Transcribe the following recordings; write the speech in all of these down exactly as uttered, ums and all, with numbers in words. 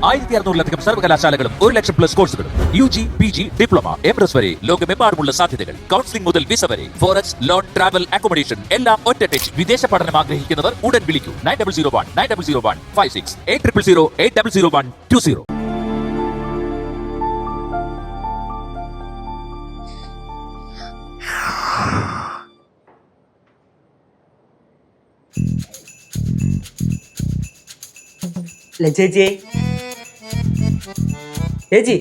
ആയിരത്തി അറുന്നൂറിലധികം സർവകലാശാലകളും ഒരു ലക്ഷം പ്ലസ് കോഴ്സുകളും U G P G diploma M S വരെ ലോകമെമ്പാടുമുള്ള സാധ്യതകൾ. കൗൺസിലിംഗ് മുതൽ വിസ വരെ ഫോറക്സ് ലോൺ ട്രാവൽ അക്കോമഡേഷൻ എല്ലാം ഒറ്റ ടച്ച്. വിദേശ പഠനം ആഗ്രഹിക്കുന്നവർ ഉടൻ വിളിക്കൂ nine double zero one nine double zero one five six eight triple zero eight double zero one two zero. ചേച്ചി ചേച്ചി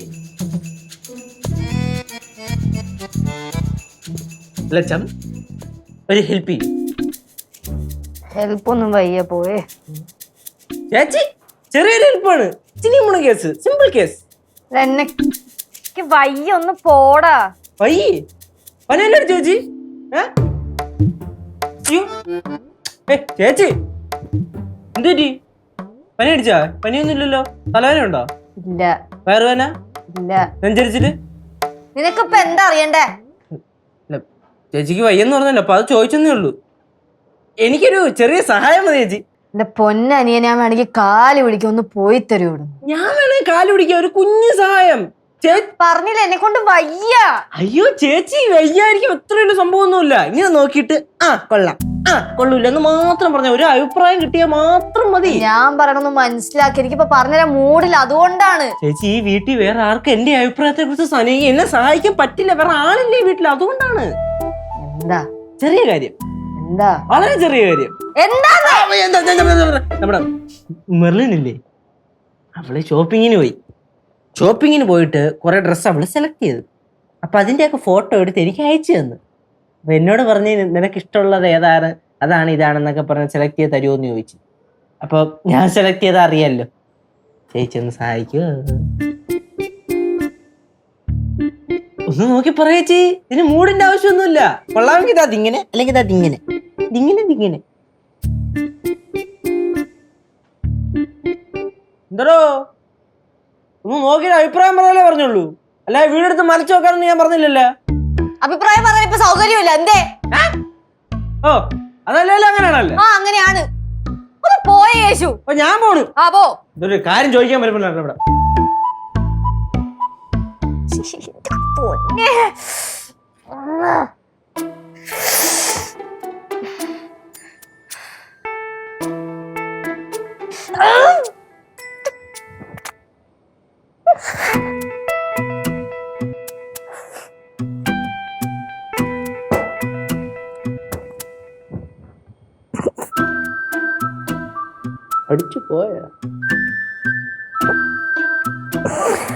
ലച്ചം ഒരു ഹെൽപ്പ് ചെയ്യും. ഹെൽപ്പ് ഒന്നും വയ്യ പോയേ ചേച്ചി ചെറിയൊരു ഹെൽപ്പാണ്. ചിനിമുണ കേസ്, സിമ്പിൾ കേസ്. എന്നെ വയ്യ ഒന്ന് പോടാ. വയ്യേ പനല്ലേ ചേച്ചി? ഏ ചേച്ചി എന്തുപറ്റി? പനി അടിച്ചാ? പനിയൊന്നും ഇല്ലല്ലോ. തലവേന ഉണ്ടോ? ഇല്ല. വയറുവേന? ഇല്ല. നെഞ്ചരിച്ചില്? നിനക്കിപ്പ എന്താ അറിയണ്ടേ? ചേച്ചിക്ക് വയ്യെന്ന് പറഞ്ഞല്ലോ, അപ്പൊ അത് ചോദിച്ചെന്നേ ഉള്ളൂ. എനിക്കൊരു ചെറിയ സഹായം മതി ചേച്ചി. എന്റെ പൊന്നനിയ ഞാൻ വേണമെങ്കിൽ കാല് പിടിക്കും, ഒന്ന് പോയി തരൂടും. ഞാൻ വേണമെങ്കിൽ കാല് പിടിക്കാം, ഒരു കുഞ്ഞു സഹായം. പറഞ്ഞില്ല എന്നെ കൊണ്ട് വയ്യ. അയ്യോ ചേച്ചി വയ്യായിരിക്കും, എത്ര വലിയ സംഭവമൊന്നുമില്ല. ഇങ്ങനെ നോക്കിയിട്ട് ആ കൊള്ളാം, ആ കൊള്ളൂല്ല എന്ന് മാത്രം പറഞ്ഞ ഒരു അഭിപ്രായം കിട്ടിയാൽ മാത്രം മതി. ഞാൻ പറയണൊന്ന് മനസ്സിലാക്കി, എനിക്കിപ്പോ പറഞ്ഞുതരാൻ മൂടില്ല, അതുകൊണ്ടാണ്. ചേച്ചി ഈ വീട്ടിൽ വേറെ ആർക്കും എന്റെ അഭിപ്രായത്തെ കുറിച്ച് എന്നെ സഹായിക്കാൻ പറ്റില്ല, വേറെ ആളില്ലേ വീട്ടിൽ, അതുകൊണ്ടാണ്. എന്താ ചെറിയ കാര്യം? എന്താ വളരെ ചെറിയ കാര്യം. നമ്മുടെ മെർലിനില്ലേ, അവള് ഷോപ്പിങ്ങിന് പോയി. ഷോപ്പിങ്ങിന് പോയിട്ട് കുറെ ഡ്രസ്സ് അവള് സെലക്ട് ചെയ്തു. അപ്പൊ അതിന്റെയൊക്കെ ഫോട്ടോ എടുത്ത് എനിക്ക് അയച്ചു തന്നു. അപ്പൊ എന്നോട് പറഞ്ഞ് നിനക്ക് ഇഷ്ടമുള്ളത് ഏതാണ്, അതാണ് ഇതാണെന്നൊക്കെ പറഞ്ഞ് സെലക്ട് ചെയ്ത് തരുമോ എന്ന് ചോദിച്ചു. അപ്പൊ ഞാൻ സെലക്ട് ചെയ്താൽ അറിയാലോ. ചേച്ചി ഒന്ന് സഹായിക്കുമോ? ഒന്ന് നോക്കി പറയേച്ചി, ഇതിന് മൂടിന്റെ ആവശ്യമൊന്നുമില്ല. കൊള്ളാമെങ്കിൽ അതിങ്ങനെ, അല്ലെങ്കിൽ അതിങ്ങനെ, ഇതിങ്ങനെ ഇതിങ്ങനെ. എന്തോ ഒന്ന് നോക്കിയിട്ട് അഭിപ്രായം പറഞ്ഞാലേ പറഞ്ഞുള്ളൂ, അല്ല വീടെടുത്ത് മലച്ചു നോക്കാനൊന്നും ഞാൻ പറഞ്ഞില്ലല്ലോ. അഭിപ്രായം പറയാൻ ഇപ്പൊ സൗകര്യമില്ല. എന്തേ? ഓ അതല്ലല്ലോ, അങ്ങനെയാണല്ലോ. ആ അങ്ങനെയാണ്. ഒന്ന് പോയേ യേശു. അപ്പൊ ഞാൻ പോണു. ആ പോ. ഇതൊരു കാര്യം ചോദിക്കാൻ വരുമ്പോഴാണ് ഇവിടെ. അടിച്ചു പോയ